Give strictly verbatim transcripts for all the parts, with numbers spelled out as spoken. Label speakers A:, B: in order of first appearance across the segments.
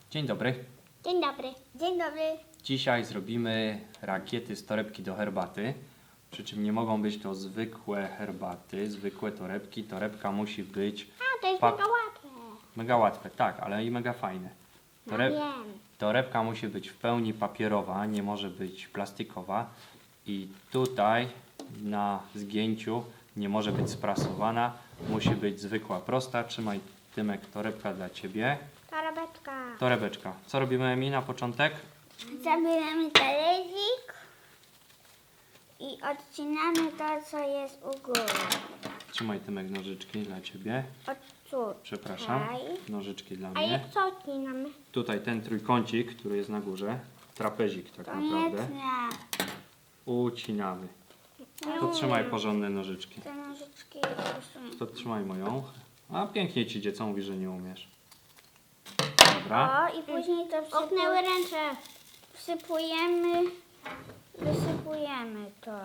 A: Dzień dobry.
B: Dzień dobry. Dzień dobry.
A: Dzisiaj zrobimy rakiety z torebki do herbaty. Przy czym nie mogą być to zwykłe herbaty, zwykłe torebki. Torebka musi być
B: A, to jest
A: Pa-
B: mega łatwe.
A: mega łatwe, tak, ale i mega fajne.
B: Ja
A: Toreb-
B: wiem.
A: Torebka musi być w pełni papierowa, nie może być plastikowa. I tutaj na zgięciu nie może być sprasowana, musi być zwykła, prosta. Trzymaj, Tymek, torebka dla Ciebie.
B: Torebeczka.
A: Torebeczka. Co robimy, Emi, na początek?
B: Zabieramy talerzyk i odcinamy to, co jest u góry.
A: Trzymaj, Tymek, nożyczki dla Ciebie.
B: Od
A: Przepraszam,
B: tutaj.
A: nożyczki dla
B: A
A: mnie.
B: jak co odcinamy?
A: Tutaj ten trójkącik, który jest na górze, trapezik tak
B: To
A: naprawdę,
B: nie.
A: ucinamy.
B: Nie
A: To trzymaj
B: umiem.
A: porządne nożyczki.
B: Te nożyczki usuń.
A: To trzymaj moją. A pięknie Ci idzie, co mówisz, że nie umiesz. Dobra.
B: O, i później to wsypu... Oknęły ręce. Wsypujemy, wysypujemy to.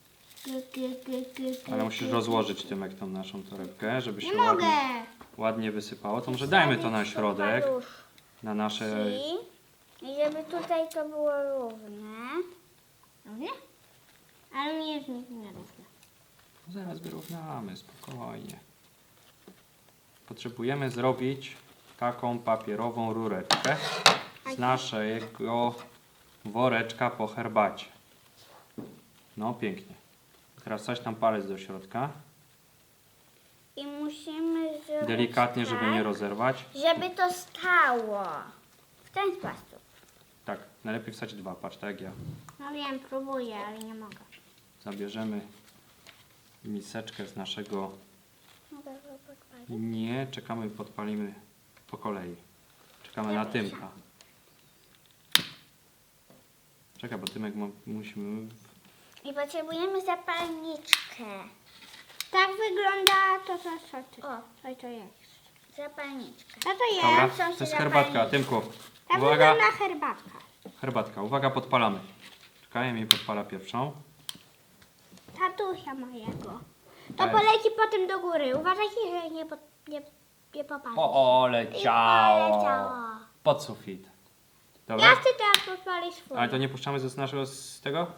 A: Ale musisz rozłożyć, Tymek, tą naszą torebkę, żeby się
B: Nie
A: ładnie,
B: mogę.
A: ładnie wysypało. To może dajmy to na środek, na nasze...
B: I żeby tutaj to było równe. Równie? Ale nie jest nierówne.
A: Zaraz wyrównamy, spokojnie. Potrzebujemy zrobić taką papierową rureczkę z naszego woreczka po herbacie. No pięknie. Teraz coś tam palec do środka.
B: I musimy zrobić
A: Delikatnie,
B: tak,
A: żeby nie rozerwać.
B: żeby to stało. W ten sposób.
A: Tak, najlepiej wstać dwa, patrz, tak jak ja.
B: No wiem, próbuję, ale nie mogę.
A: Zabierzemy miseczkę z naszego...
B: Mogę go podpalić?
A: Nie, czekamy, podpalimy po kolei. Czekamy na Tymka. Czekaj, bo Tymek ma, musimy...
B: I potrzebujemy zapalniczkę. Tak wygląda to, co, co, co, o, co to jest. Zapalniczka. Co to jest?
A: Dobra,
B: Są
A: to jest
B: się
A: herbatka.
B: zapalniczki.
A: Tymku,
B: Tak
A: uwaga,
B: wygląda herbatka.
A: herbatka. Uwaga, podpalamy. Czekaj, mi podpala pierwszą.
B: Tatusia mojego. To
A: Tak.
B: poleci potem do góry. Uważajcie, że nie, po, nie, nie popadnie.
A: O, o,
B: I
A: leciało.
B: poleciało.
A: Pod sufit.
B: Ja
A: Dobra?
B: chcę teraz podpalić swoje.
A: Ale to nie puszczamy z naszego, z tego?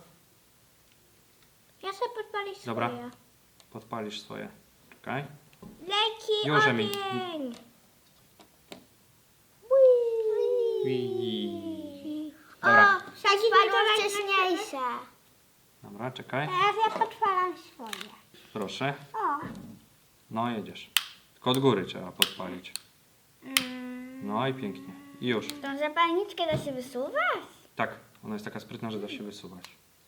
B: Ja chcę podpalić swoje.
A: Dobra. Podpalisz swoje. Czekaj.
B: Leci
A: Już, Emi.
B: ogień.
A: Ui. Dobra.
B: O, sadzimy to wcześniejsze.
A: Dobra, czekaj.
B: Teraz ja podpalam swoje.
A: Proszę.
B: O.
A: No, jedziesz. Tylko od góry trzeba podpalić.
B: Mm.
A: No i pięknie. I już.
B: Tą zapalniczkę da się wysuwać?
A: Tak, ona jest taka sprytna, że da się wysuwać.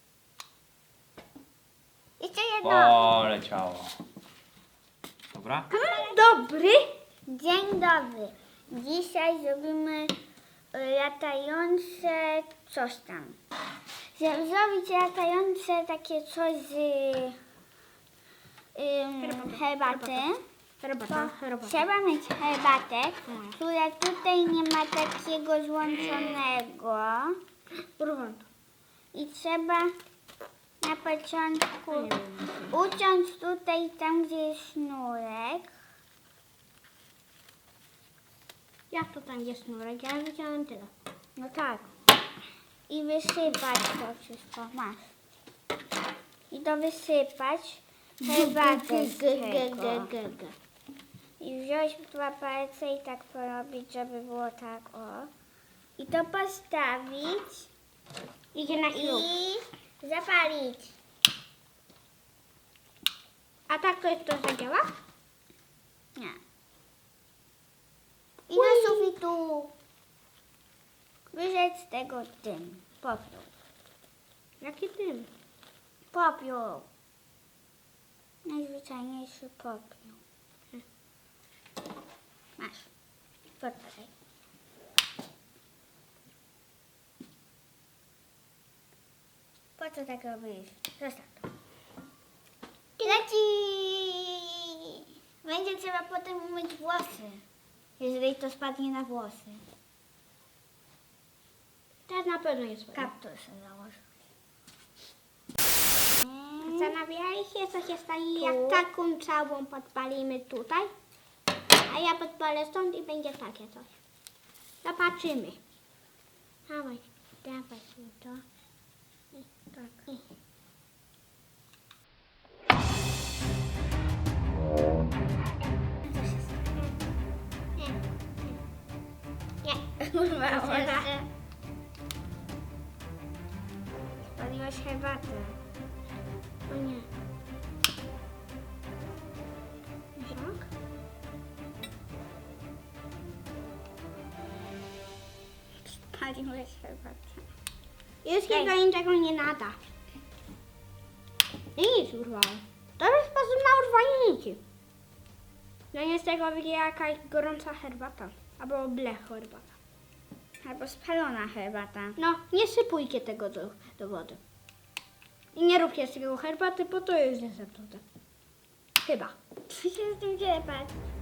B: Jeszcze jedno.
A: O, leciało. Dobra?
B: Dobry. Dzień dobry. Dzisiaj zrobimy y, latające coś tam. Żeby zrobić latające takie coś z ym, herbaty, to trzeba mieć herbatę, która tutaj nie ma takiego złączonego. I trzeba na początku uciąć tutaj tam, gdzie jest sznurek. Jak to tam jest sznurek? Ja widziałem tyle. No tak. I wysypać to wszystko. Masz. I to wysypać herbatę z tego. I wziąć dwa palce i tak porobić, żeby było tak, o. I to postawić. Idzie na ślub. I zapalić. A tak to jest to zadziała? Nie. I do sufitu wyrzec z tego dym. Popiół. Jaki dym? Popiół. Najzwyczajniejszy popiół. Masz. Podpalaj. Po co tak robisz? Zostaw to. Leci! Będzie trzeba potem umyć włosy, jeżeli to spadnie na włosy. Teraz na pewno jest kaptusy założę. Zastanawiali się, co się stanie, jak taką całą podpalimy tutaj, a ja podpalę stąd i będzie takie coś. Zobaczymy. Dawaj, dawaj mi to. I tak. I. Nie, nie. Nie, urwało się. Spaliłaś herbatę. O nie. Tak? Spaliłeś herbatę. Już chyba niczego nie nada. I nic urwało. To jest sposób na urwanie nici. No nie z tego będzie jakaś gorąca herbata. Albo blech herbata.
C: Albo spalona herbata.
B: No, nie sypujcie tego do, do wody. I nie róbcie z tego herbaty, bo to jest zepsute. Chyba.
C: Co się z tym dzieje, patrz?